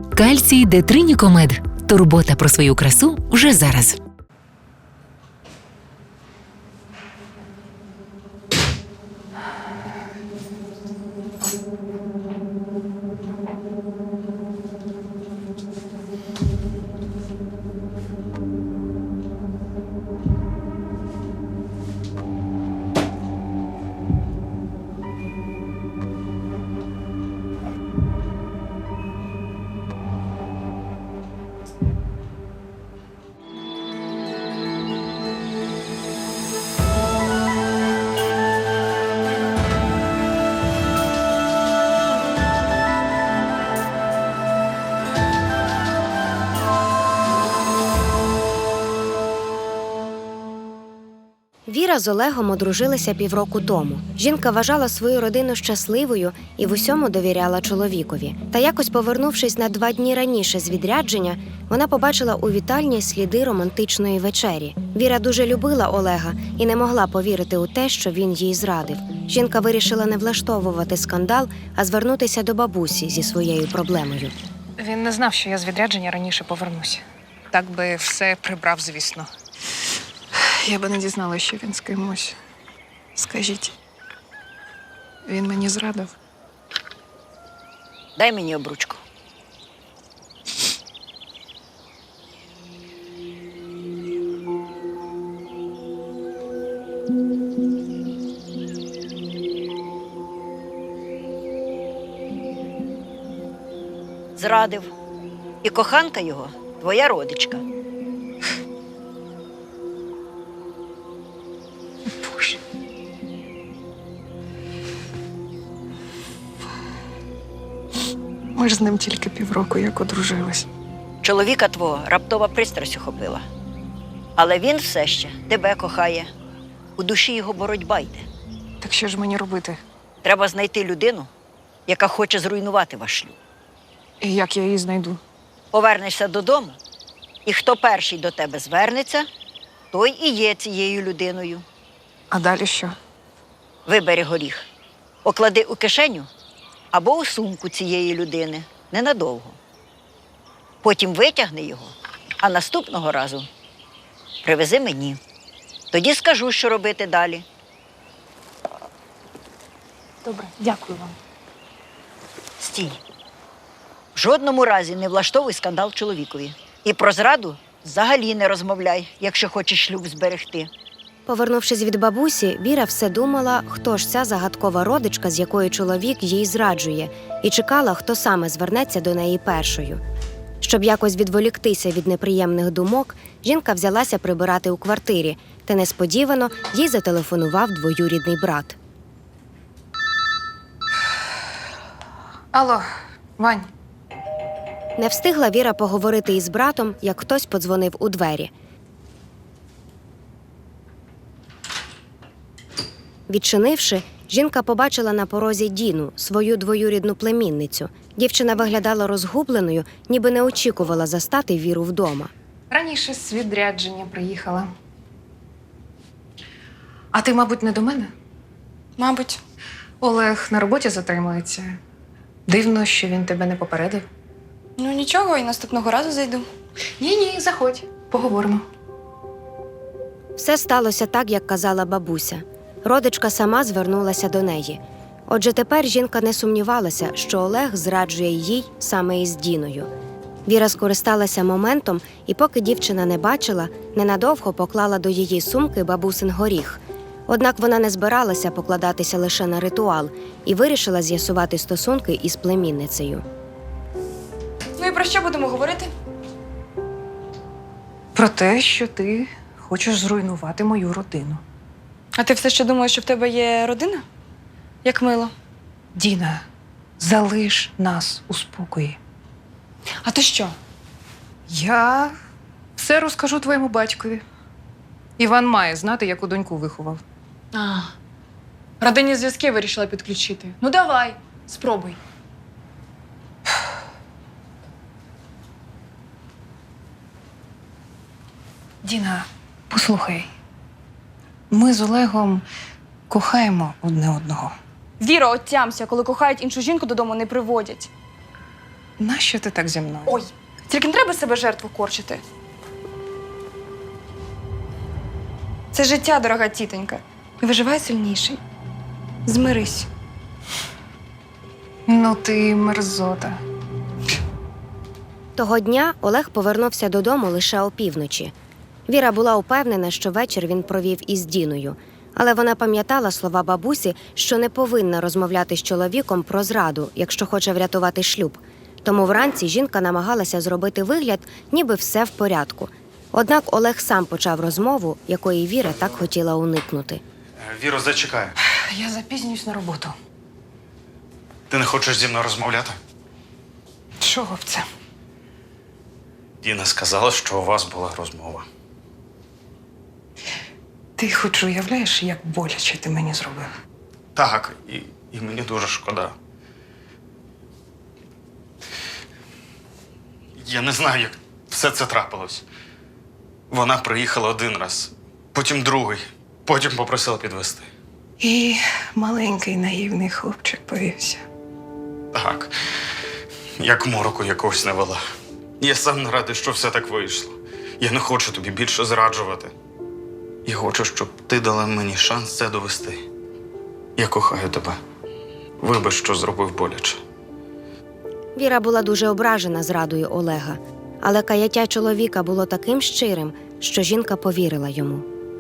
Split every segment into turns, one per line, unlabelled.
Кальцій Детринікомед. Турбота про свою красу вже зараз.
Віра з Олегом одружилися півроку тому. Жінка вважала свою родину щасливою і в усьому довіряла чоловікові. Та якось повернувшись на 2 дні раніше з відрядження, вона побачила у вітальні сліди романтичної вечері. Віра дуже любила Олега і не могла повірити у те, що він їй зрадив. Жінка вирішила не влаштовувати скандал, а звернутися до бабусі зі своєю проблемою.
Він не знав, що я з відрядження раніше повернуся. Так би все прибрав, звісно. Я би не дізналася, що він з кимось. Скажіть, він мені зрадив?
Дай мені обручку. Зрадив. І коханка його – твоя родичка.
Боже. Ми ж з ним тільки півроку як одружились.
Чоловіка твого раптова пристрасть охопила. Але він все ще тебе кохає. У душі його боротьба йде.
Так що ж мені робити?
Треба знайти людину, яка хоче зруйнувати ваш шлюб.
І як я її знайду?
Повернешся додому, і хто перший до тебе звернеться, той і є цією людиною.
А далі що?
Вибери горіх, оклади у кишеню або у сумку цієї людини ненадовго. Потім витягни його, а наступного разу привези мені. Тоді скажу, що робити далі.
Добре, дякую вам.
Стій. В жодному разі не влаштовуй скандал чоловікові. І про зраду взагалі не розмовляй, якщо хочеш шлюб зберегти.
Повернувшись від бабусі, Віра все думала, хто ж ця загадкова родичка, з якою чоловік їй зраджує, і чекала, хто саме звернеться до неї першою. Щоб якось відволіктися від неприємних думок, жінка взялася прибирати у квартирі, та несподівано їй зателефонував двоюрідний брат.
Алло, Вань.
Не встигла Віра поговорити із братом, як хтось подзвонив у двері. Відчинивши, жінка побачила на порозі Діну, свою двоюрідну племінницю. Дівчина виглядала розгубленою, ніби не очікувала застати Віру вдома.
Раніше з відрядження приїхала. А ти, мабуть, не до мене?
Мабуть.
Олег на роботі затримується. Дивно, що він тебе не попередив.
Ну нічого, і наступного разу зайду.
Ні, заходь, поговоримо.
Все сталося так, як казала бабуся. Родичка сама звернулася до неї. Отже, тепер жінка не сумнівалася, що Олег зраджує їй саме із Діною. Віра скористалася моментом і, поки дівчина не бачила, ненадовго поклала до її сумки бабусин горіх. Однак вона не збиралася покладатися лише на ритуал і вирішила з'ясувати стосунки із племінницею.
Ну і про що будемо говорити?
Про те, що ти хочеш зруйнувати мою родину.
А ти все ще думаєш, що в тебе є родина? Як мило.
Діна, залиш нас у спокої.
А то що?
Я все розкажу твоєму батькові. Іван має знати, яку доньку виховав.
А, родинні зв'язки вирішила підключити. Ну давай, спробуй.
Діна, послухай. Ми з Олегом кохаємо одне одного.
Віра, отямся, коли кохають іншу жінку, додому не приводять.
нащо ти так зі мною?
Ой, тільки не треба себе жертву корчити. Це життя, дорога тітонька. І виживай сильніший. Змирись.
Ну ти мерзота.
Того дня Олег повернувся додому лише опівночі. Віра була упевнена, що вечір він провів із Діною, але вона пам'ятала слова бабусі, що не повинна розмовляти з чоловіком про зраду, якщо хоче врятувати шлюб. Тому вранці жінка намагалася зробити вигляд, ніби все в порядку. Однак Олег сам почав розмову, якої Віра так хотіла уникнути.
Віро, зачекай.
Я запізнююсь на роботу.
Ти не хочеш зі мною розмовляти?
Чого б це?
Діна сказала, що у вас була розмова.
Ти хоч уявляєш, як боляче ти мені зробив?
Так, і мені дуже шкода. Я не знаю, як все це трапилось. Вона приїхала один раз, потім другий, потім попросила підвезти.
І маленький наївний хлопчик повівся.
Так, як мороку якогось не вела. Я сам не радий, що все так вийшло. Я не хочу тобі більше зраджувати. Я хочу, щоб ти дала мені шанс це довести. Я кохаю тебе. Вибач, що зробив боляче.
Віра була дуже ображена зрадою Олега, але каяття чоловіка було таким щирим, що жінка повірила йому.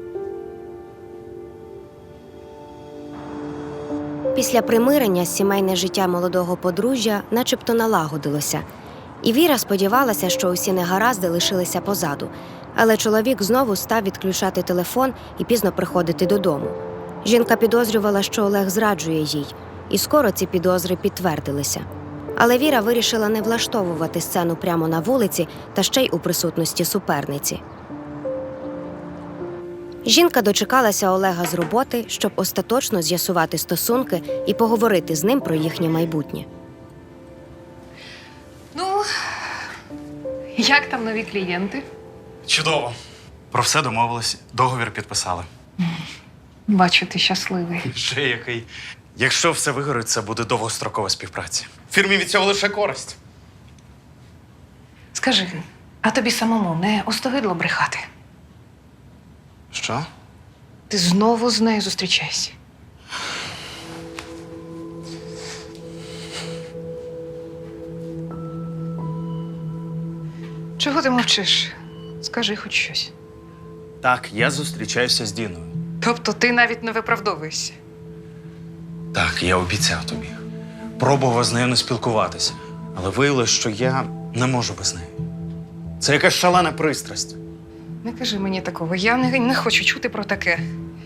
Після примирення сімейне життя молодого подружжя начебто налагодилося. І Віра сподівалася, що усі негаразди лишилися позаду. Але чоловік знову став відключати телефон і пізно приходити додому. Жінка підозрювала, що Олег зраджує їй, і скоро ці підозри підтвердилися. Але Віра вирішила не влаштовувати сцену прямо на вулиці та ще й у присутності суперниці. Жінка дочекалася Олега з роботи, щоб остаточно з'ясувати стосунки і поговорити з ним про їхнє майбутнє.
Ну, як там нові клієнти?
Чудово. Про все домовились, договір підписали.
Бачу, ти щасливий.
Ще який. Якщо все вигорить, це буде довгострокова співпраця. Фірмі від цього лише користь.
Скажи, а тобі самому не остогидло брехати?
Що?
Ти знову з нею зустрічаєшся. Чого ти мовчиш? Скажи хоч щось.
Так, я зустрічаюся з Діною.
Тобто ти навіть не виправдовуєшся?
Так, я обіцяв тобі. Пробував з нею не спілкуватися, але виявилось, що я не можу без неї. Це якась шалена пристрасть.
Не кажи мені такого, я не хочу чути про таке.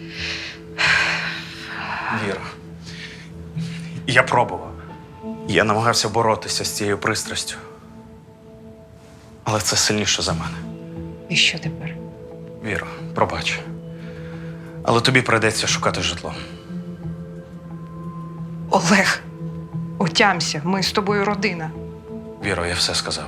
Віра. Я пробував. Я намагався боротися з цією пристрастю. Але це сильніше за мене.
І що тепер?
Віро, пробач. Але тобі прийдеться шукати житло.
Олег, отямся, ми з тобою родина.
Віро, я все сказав.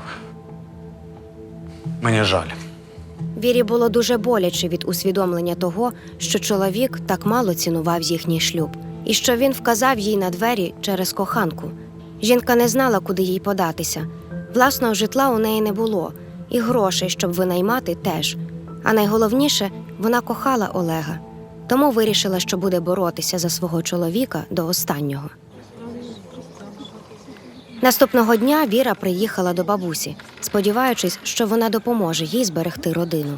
Мені жаль.
Вірі було дуже боляче від усвідомлення того, що чоловік так мало цінував їхній шлюб, і що він вказав їй на двері через коханку. Жінка не знала, куди їй податися. Власного житла у неї не було, і грошей, щоб винаймати, теж. А найголовніше, вона кохала Олега. Тому вирішила, що буде боротися за свого чоловіка до останнього. Наступного дня Віра приїхала до бабусі, сподіваючись, що вона допоможе їй зберегти родину.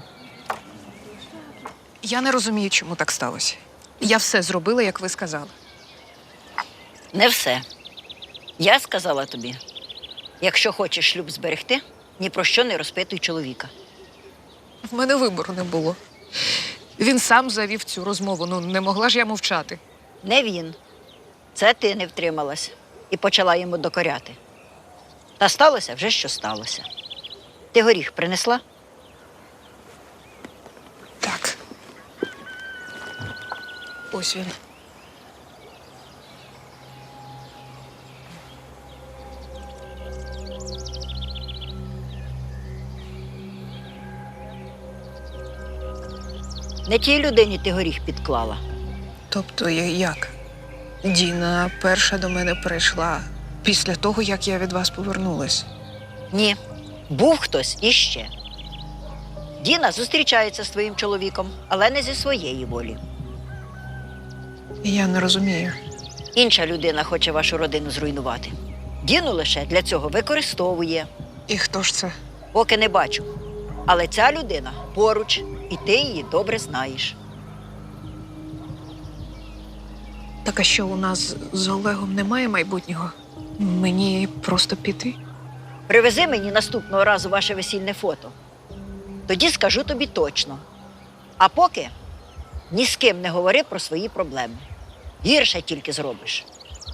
Я не розумію, чому так сталося. Я все зробила, як ви сказали.
Не все. Я сказала тобі, якщо хочеш шлюб зберегти, ні про що не розпитуй чоловіка.
В мене вибору не було. Він сам завів цю розмову, не могла ж я мовчати.
Не він. Це ти не втрималась і почала йому докоряти. Та сталося вже, що сталося. Ти горіх принесла?
Так. Ось він.
Не тій людині ти горіх підклала.
Тобто як? Діна перша до мене прийшла після того, як я від вас повернулась.
Ні, був хтось іще. Діна зустрічається з твоїм чоловіком, але не зі своєї волі.
Я не розумію.
Інша людина хоче вашу родину зруйнувати. Діну лише для цього використовує.
І хто ж це?
Поки не бачу. Але ця людина поруч, і ти її добре знаєш.
Так а що, у нас з Олегом немає майбутнього? Мені просто піти?
Привези мені наступного разу ваше весільне фото. Тоді скажу тобі точно. А поки ні з ким не говори про свої проблеми. Гірше тільки зробиш.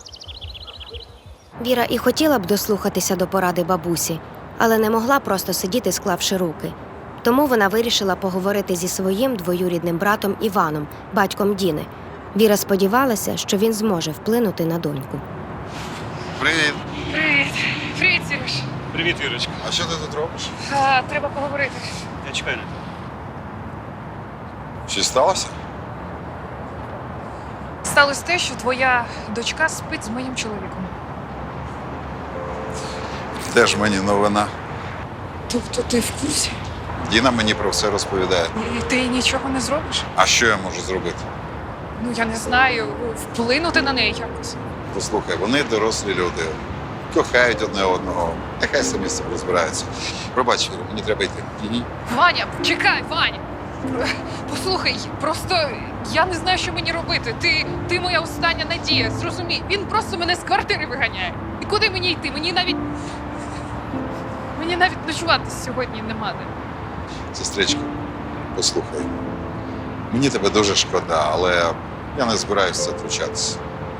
Віра і хотіла б дослухатися до поради бабусі, але не могла просто сидіти, склавши руки. Тому вона вирішила поговорити зі своїм двоюрідним братом Іваном, батьком Діни. Віра сподівалася, що він зможе вплинути на доньку.
Привіт.
Привіт. Привіт, Сереж.
Привіт, Вірочка. А що ти тут робиш?
Треба поговорити.
Я чекаю на тебе. Щось сталося?
Сталося те, що твоя дочка спить з моїм чоловіком.
Де ж мені новина?
Тобто ти в курсі?
Діна мені про все розповідає.
І ти нічого не зробиш?
А що я можу зробити?
Ну, я не знаю, вплинути на неї якось.
Послухай, вони дорослі люди. Кохають одне одного. Нехай самі з цим розбираються. Пробач, Віра, мені треба йти.
Ваня, чекай, Ваня! Послухай, просто я не знаю, що мені робити. Ти моя остання надія, зрозумій. Він просто мене з квартири виганяє. І куди мені йти? Мені навіть ночувати сьогодні нема де.
Сестричко, послухай. Мені тебе дуже шкода, але я не збираюся втручатися.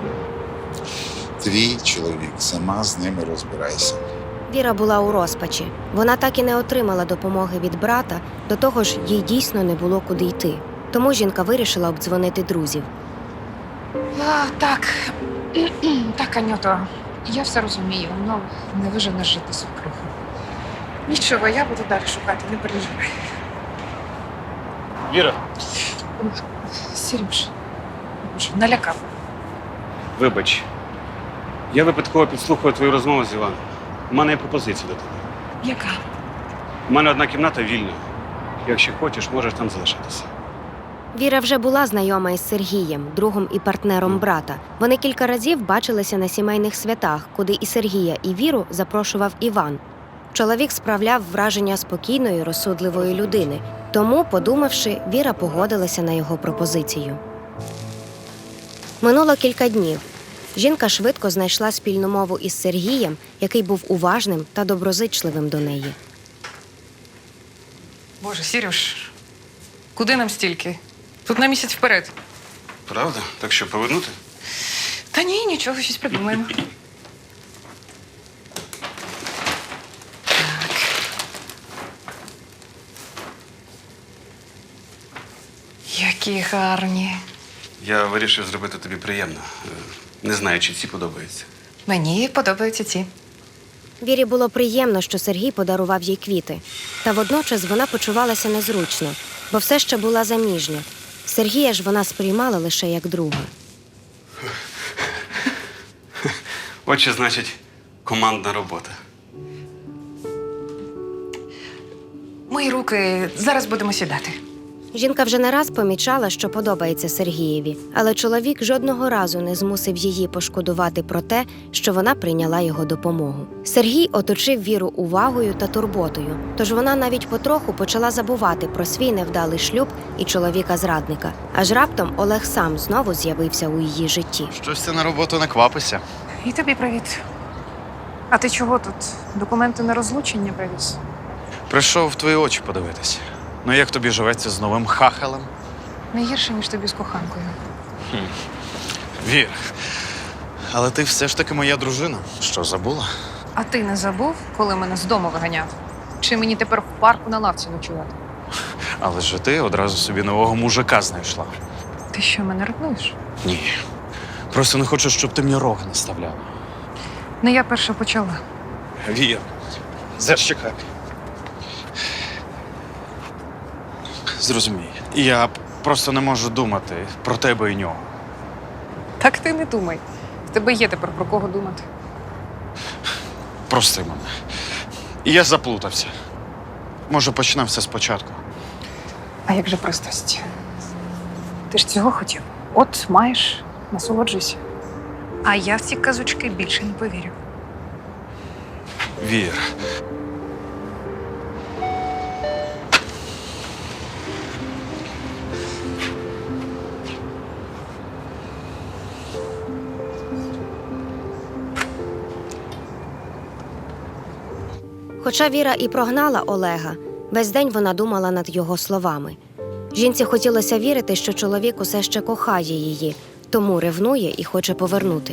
Твій чоловік, сама з ними розбирайся.
Віра була у розпачі. Вона так і не отримала допомоги від брата, до того ж, їй дійсно не було куди йти. Тому жінка вирішила обдзвонити друзів.
Так, Анюто, я все розумію, але не виженеш жити свекруху. Нічого, я буду далі шукати, не переживай.
Віра,
Сереж, боже, налякав.
вибач. Я випадково підслухав твою розмову з Іваном. У мене є пропозиція до тебе.
Яка?
У мене одна кімната вільна. Якщо хочеш, можеш там залишитися.
Віра вже була знайома із Сергієм, другом і партнером брата. Вони кілька разів бачилися на сімейних святах, куди і Сергія, і Віру запрошував Іван. Чоловік справляв враження спокійної, розсудливої людини. Тому, подумавши, Віра погодилася на його пропозицію. Минуло кілька днів. Жінка швидко знайшла спільну мову із Сергієм, який був уважним та доброзичливим до неї.
Боже, Сереж, куди нам стільки? Тут на місяць вперед.
Правда? Так що, повернути?
Та ні, нічого, щось придумаємо. Які гарні.
Я вирішив зробити тобі приємно. Не знаю, чи ці подобаються.
Мені подобаються ці.
Вірі було приємно, що Сергій подарував їй квіти. Та водночас вона почувалася незручно, бо все ще була заміжня. Сергія ж вона сприймала лише як друга.
Отже, значить, командна робота.
Мої руки, зараз будемо сідати.
Жінка вже не раз помічала, що подобається Сергієві, але чоловік жодного разу не змусив її пошкодувати про те, що вона прийняла його допомогу. Сергій оточив Віру увагою та турботою, тож вона навіть потроху почала забувати про свій невдалий шлюб і чоловіка-зрадника. Аж раптом Олег сам знову з'явився у її житті.
Щось ти на роботу не квапишся.
І тобі привіт. А ти чого тут? Документи на розлучення привіз?
Прийшов в твої очі подивитись. Ну як тобі живеться з новим хахалем?
Не гірше, ніж тобі з коханкою.
Вір. Але ти все ж таки моя дружина. Що, забула?
А ти не забув, коли мене з дому виганяв? Чи мені тепер в парку на лавці ночувати?
Але ж ти одразу собі нового мужика знайшла.
Ти що, мене ревнуєш?
Ні. Просто не хочу, щоб ти мені рог наставляла.
Не я перша почала.
Вір, зачекай. Зрозумій, я просто не можу думати про тебе і нього.
Так ти не думай. В тебе є тепер про кого думати.
Прости мене. І я заплутався. Може, почнемо все спочатку.
А як же пристрасть? Ти ж цього хотів. От маєш, насолоджуйся. А я в ці казочки більше не повірю.
Вір.
Хоча Віра і прогнала Олега, весь день вона думала над його словами. Жінці хотілося вірити, що чоловік усе ще кохає її, тому ревнує і хоче повернути.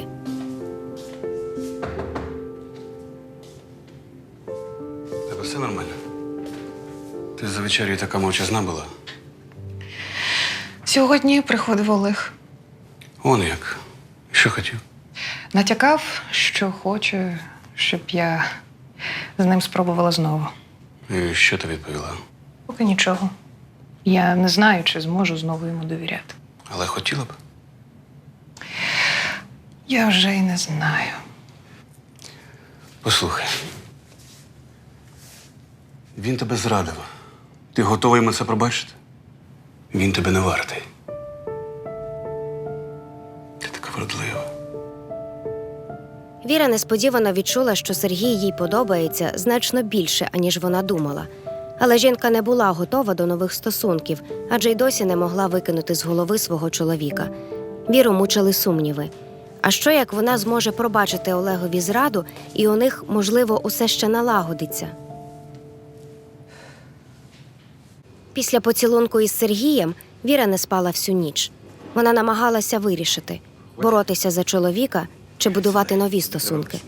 Тебе все нормально? Ти за вечерю така мовчазна була?
Сьогодні приходив Олег.
Он як. Що хотів?
Натякав, що хоче, щоб я з ним спробувала знову.
І що ти відповіла?
Поки нічого. Я не знаю, чи зможу знову йому довіряти.
Але хотіла б.
Я вже й не знаю.
Послухай. Він тебе зрадив. Ти готовий йому це пробачити? Він тебе не вартий. Ти така вродлива.
Віра несподівано відчула, що Сергій їй подобається значно більше, аніж вона думала. Але жінка не була готова до нових стосунків, адже й досі не могла викинути з голови свого чоловіка. Віру мучили сумніви. А що, як вона зможе пробачити Олегові зраду, і у них, можливо, усе ще налагодиться? Після поцілунку із Сергієм Віра не спала всю ніч. Вона намагалася вирішити – боротися за чоловіка чи будувати нові стосунки.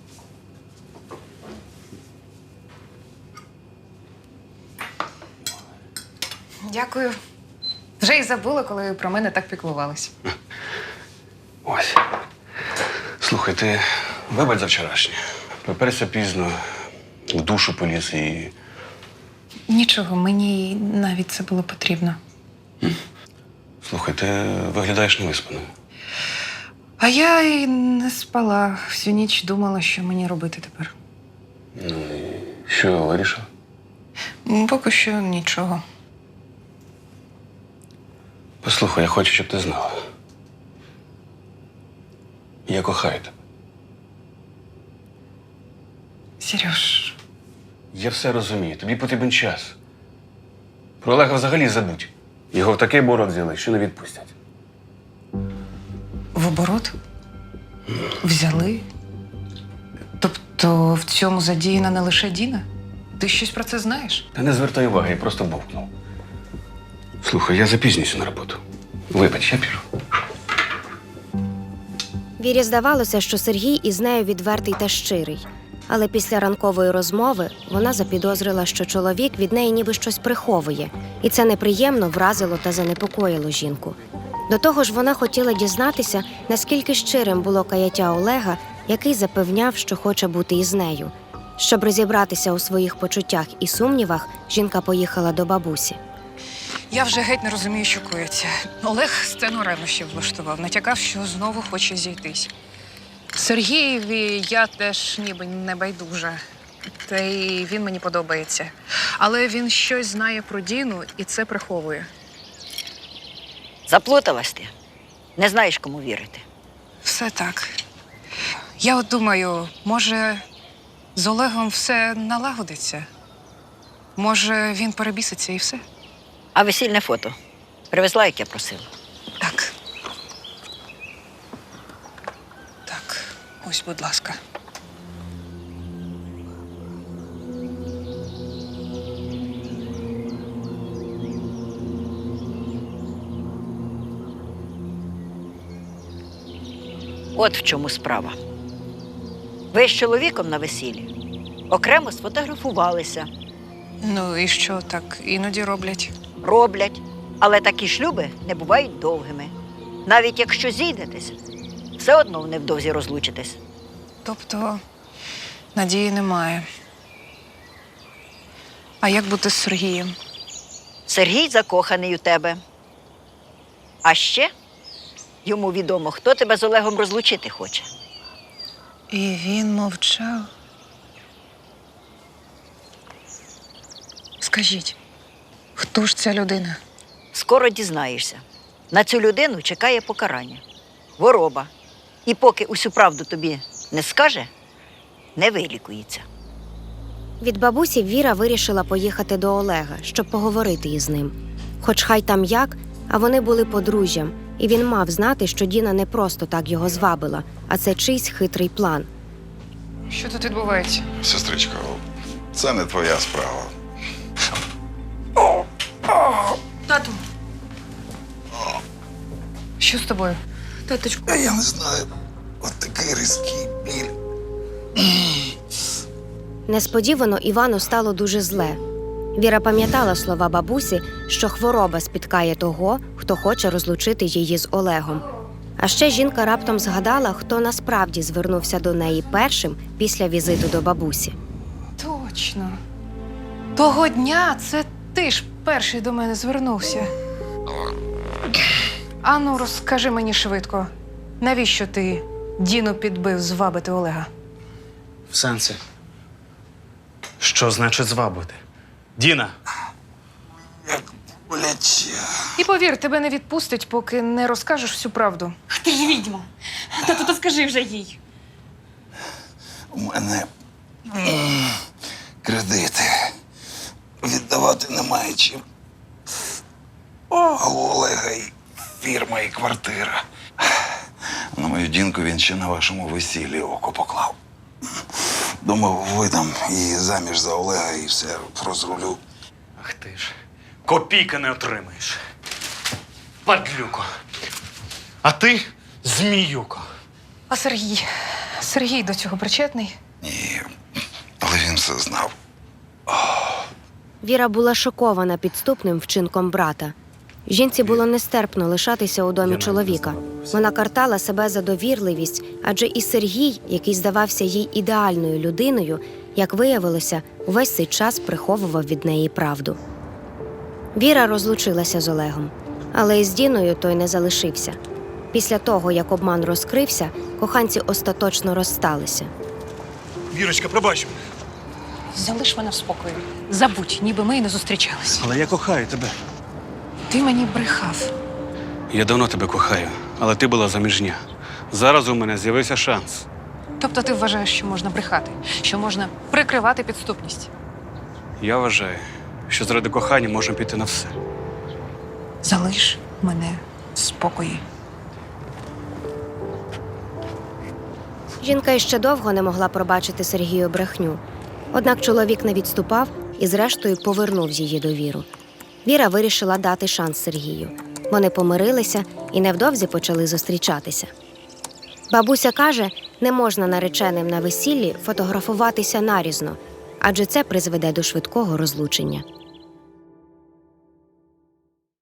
Дякую. Вже й забула, коли про мене так піклувались.
Ось. Слухай, ти вибач за вчорашнє. Приперся пізно, в душу поліз і...
Нічого, мені навіть це було потрібно.
Слухай, ти виглядаєш невиспаною.
А я й не спала. Всю ніч думала, що мені робити тепер.
Ну і що вирішив?
Поки що нічого.
Послухай, я хочу, щоб ти знала. Я кохаю тебе.
Сереж,
Я все розумію. Тобі потрібен час. Про Олега взагалі забудь. Його в такий борот взяли, що не відпустять.
в оборот? Взяли? Тобто в цьому задіяна не лише Діна? Ти щось про це знаєш?
Та не звертай уваги, я просто бовкнув. Слухай, я запізнююся на роботу. Вибач, я піду.
Вірі здавалося, що Сергій із нею відвертий та щирий. Але після ранкової розмови вона запідозрила, що чоловік від неї ніби щось приховує. І це неприємно вразило та занепокоїло жінку. До того ж, вона хотіла дізнатися, наскільки щирим було каяття Олега, який запевняв, що хоче бути із нею. Щоб розібратися у своїх почуттях і сумнівах, жінка поїхала до бабусі.
Я вже геть не розумію, що коїться. Олег сцену ревнощів влаштував, натякав, що знову хоче зійтись. Сергієві я теж ніби не байдужа. Та й він мені подобається. Але він щось знає про Діну і це приховує.
Заплуталась ти. Не знаєш, кому вірити.
Все так. Я от думаю, може, з Олегом все налагодиться? Може, він перебіситься і все?
А весільне фото привезла, як я просила.
Так. Так, ось, будь ласка.
От в чому справа. Ви з чоловіком на весіллі окремо сфотографувалися.
Ну і що так іноді роблять?
Роблять, але такі шлюби не бувають довгими. Навіть якщо зійдетесь, все одно невдовзі розлучитесь.
Тобто надії немає. А як бути з Сергієм?
Сергій закоханий у тебе. А ще йому відомо, хто тебе з Олегом розлучити хоче.
І він мовчав. Скажіть, хто ж ця людина?
Скоро дізнаєшся. На цю людину чекає покарання. Хвороба. І поки усю правду тобі не скаже, не вилікується.
Від бабусі Віра вирішила поїхати до Олега, щоб поговорити із ним. Хоч хай там як, а вони були подружжям, і він мав знати, що Діна не просто так його звабила, а це чийсь хитрий план.
Що тут відбувається?
Сестричко, це не твоя справа.
Тату,
Що з тобою?
таточку.
Я не знаю. От такий різкий біль.
Несподівано Івану стало дуже зле. Віра пам'ятала слова бабусі, що хвороба спіткає того, хто хоче розлучити її з Олегом. А ще жінка раптом згадала, хто насправді звернувся до неї першим після візиту до бабусі.
Точно. Того дня це ти ж перший до мене звернувся. Ану, розкажи мені швидко, навіщо ти Діну підбив звабити Олега?
В сенсі. Що значить звабити? Діна!
Боляче.
І повір, тебе не відпустять, поки не розкажеш всю правду.
Ти ж відьма. Тату, то скажи вже їй.
У мене кредити. Віддавати немає чим. А у Олега і фірма, і квартира. На мою Дінку він ще на вашому весіллі око поклав. Думав, видам її заміж за Олега і все розрулю.
Ах ти ж. Копійки не отримаєш. Падлюко. А ти зміюко.
А Сергій? Сергій до цього причетний?
Ні, але він все знав.
Віра була шокована підступним вчинком брата. Жінці було нестерпно лишатися у домі чоловіка. Вона картала себе за довірливість, адже і Сергій, який здавався їй ідеальною людиною, як виявилося, увесь цей час приховував від неї правду. Віра розлучилася з Олегом, але із Діною той не залишився. Після того, як обман розкрився, коханці остаточно розсталися.
Вірочка, пробач.
Залиш мене в спокої. Забудь, ніби ми й не зустрічались.
Але я кохаю тебе.
Ти мені брехав.
Я давно тебе кохаю, але ти була заміжня. Зараз у мене з'явився шанс.
Тобто ти вважаєш, що можна брехати, що можна прикривати підступність.
Я вважаю, що заради кохання можна піти на все.
Залиш мене в спокої.
Жінка іще довго не могла пробачити Сергію брехню. Однак чоловік не відступав і зрештою повернув її довіру. Віра вирішила дати шанс Сергію. Вони помирилися і невдовзі почали зустрічатися. Бабуся каже, не можна нареченим на весіллі фотографуватися нарізно, адже це призведе до швидкого розлучення.